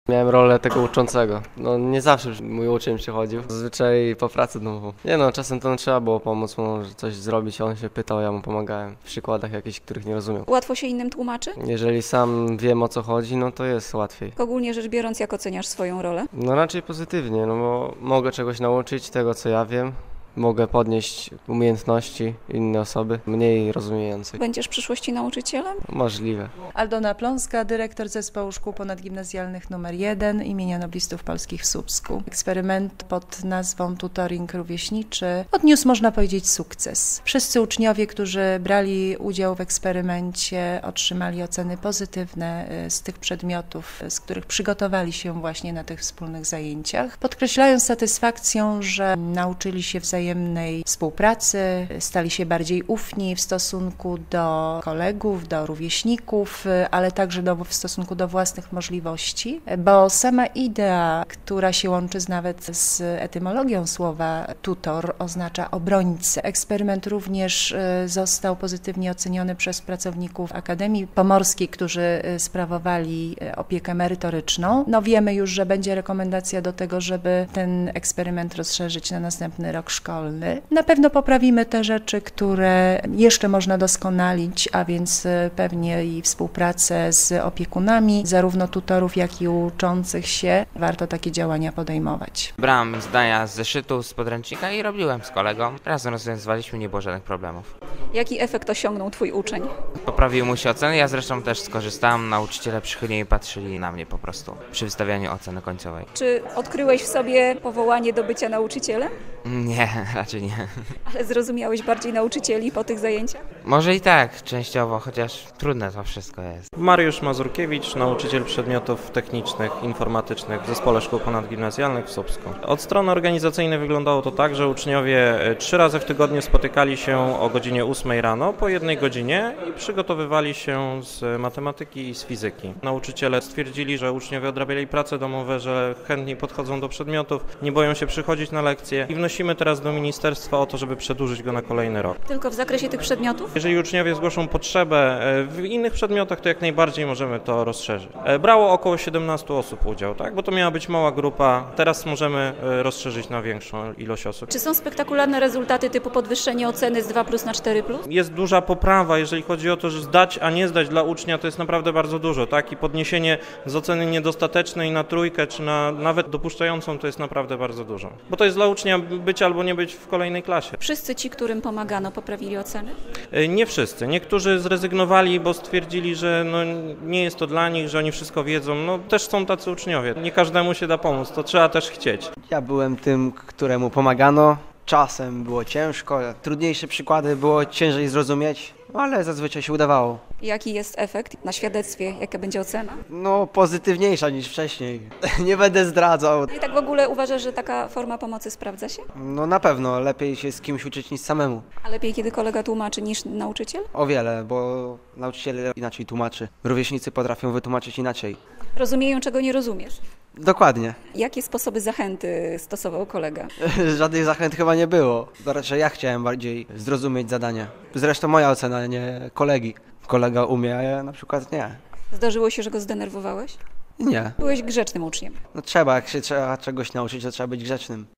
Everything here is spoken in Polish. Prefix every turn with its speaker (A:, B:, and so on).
A: Miałem rolę tego uczącego. No nie zawsze mój uczeń przychodził. Zazwyczaj po pracy domową. Nie no, czasem to trzeba było pomóc mu coś zrobić, on się pytał, ja mu pomagałem. W przykładach jakichś, których nie rozumiał.
B: Łatwo się innym tłumaczy?
A: Jeżeli sam wiem, o co chodzi, no to jest łatwiej.
B: Ogólnie rzecz biorąc, jak oceniasz swoją rolę?
A: No raczej pozytywnie, no bo mogę czegoś nauczyć tego, co ja wiem. Mogę podnieść umiejętności innej osoby, mniej rozumiejącej.
B: Będziesz w przyszłości nauczycielem?
A: Możliwe.
C: Aldona Pląska, dyrektor Zespołu Szkół Ponadgimnazjalnych nr 1 imienia Noblistów Polskich w Słupsku. Eksperyment pod nazwą Tutoring Rówieśniczy odniósł, można powiedzieć, sukces. Wszyscy uczniowie, którzy brali udział w eksperymencie, otrzymali oceny pozytywne z tych przedmiotów, z których przygotowali się właśnie na tych wspólnych zajęciach, podkreślając satysfakcją, że nauczyli się wzajemnej współpracy, stali się bardziej ufni w stosunku do kolegów, do rówieśników, ale także w stosunku do własnych możliwości, bo sama idea, która się łączy nawet z etymologią słowa tutor, oznacza obrońcę. Eksperyment również został pozytywnie oceniony przez pracowników Akademii Pomorskiej, którzy sprawowali opiekę merytoryczną. No wiemy już, że będzie rekomendacja do tego, żeby ten eksperyment rozszerzyć na następny rok szkolny. Na pewno poprawimy te rzeczy, które jeszcze można doskonalić, a więc pewnie i współpracę z opiekunami, zarówno tutorów, jak i uczących się. Warto takie działania podejmować.
D: Brałem zdania z zeszytu, z podręcznika i robiłem z kolegą. Razem rozwiązywaliśmy, nie było żadnych problemów.
B: Jaki efekt osiągnął twój uczeń?
D: Poprawił mu się oceny, ja zresztą też skorzystałem. Nauczyciele przychylniej patrzyli na mnie po prostu przy wystawianiu oceny końcowej.
B: Czy odkryłeś w sobie powołanie do bycia nauczycielem?
D: Nie, raczej nie.
B: Ale zrozumiałeś bardziej nauczycieli po tych zajęciach?
D: Może i tak, częściowo, chociaż trudne to wszystko jest.
E: Mariusz Mazurkiewicz, nauczyciel przedmiotów technicznych, informatycznych w Zespole Szkół Ponadgimnazjalnych w Słupsku. Od strony organizacyjnej wyglądało to tak, że uczniowie 3 razy w tygodniu spotykali się o godzinie 8 rano, po 1 godzinie i przygotowywali się z matematyki i z fizyki. Nauczyciele stwierdzili, że uczniowie odrabiali prace domowe, że chętniej podchodzą do przedmiotów, nie boją się przychodzić na lekcje i wnosimy teraz do ministerstwa o to, żeby przedłużyć go na kolejny rok.
B: Tylko w zakresie tych przedmiotów?
E: Jeżeli uczniowie zgłoszą potrzebę w innych przedmiotach, to jak najbardziej możemy to rozszerzyć. Brało około 17 osób udział, tak? Bo to miała być mała grupa. Teraz możemy rozszerzyć na większą ilość osób.
B: Czy są spektakularne rezultaty typu podwyższenie oceny z 2+ na 4+?
E: Jest duża poprawa, jeżeli chodzi o to, że zdać, a nie zdać dla ucznia, to jest naprawdę bardzo dużo, tak? I podniesienie z oceny niedostatecznej na 3, czy na nawet dopuszczającą, to jest naprawdę bardzo dużo. Bo to jest dla ucznia być albo nie być w kolejnej klasie.
B: Wszyscy ci, którym pomagano, poprawili oceny?
E: Nie wszyscy. Niektórzy zrezygnowali, bo stwierdzili, że nie jest to dla nich, że oni wszystko wiedzą. No też są tacy uczniowie. Nie każdemu się da pomóc, to trzeba też chcieć.
F: Ja byłem tym, któremu pomagano. Czasem było ciężko, trudniejsze przykłady było ciężej zrozumieć, ale zazwyczaj się udawało.
B: Jaki jest efekt na świadectwie? Jaka będzie ocena?
F: No, pozytywniejsza niż wcześniej. Nie będę zdradzał.
B: I tak w ogóle uważasz, że taka forma pomocy sprawdza się?
F: No na pewno, lepiej się z kimś uczyć niż samemu.
B: A lepiej, kiedy kolega tłumaczy niż nauczyciel?
F: O wiele, bo nauczyciel inaczej tłumaczy. Rówieśnicy potrafią wytłumaczyć inaczej.
B: Rozumieją, czego nie rozumiesz.
F: Dokładnie.
B: Jakie sposoby zachęty stosował kolega?
F: Żadnych zachęt chyba nie było. To raczej ja chciałem bardziej zrozumieć zadania. Zresztą moja ocena, nie kolegi. Kolega umie, a ja na przykład nie.
B: Zdarzyło się, że go zdenerwowałeś?
F: Nie.
B: Byłeś grzecznym uczniem.
F: No trzeba, jak się trzeba czegoś nauczyć, to trzeba być grzecznym.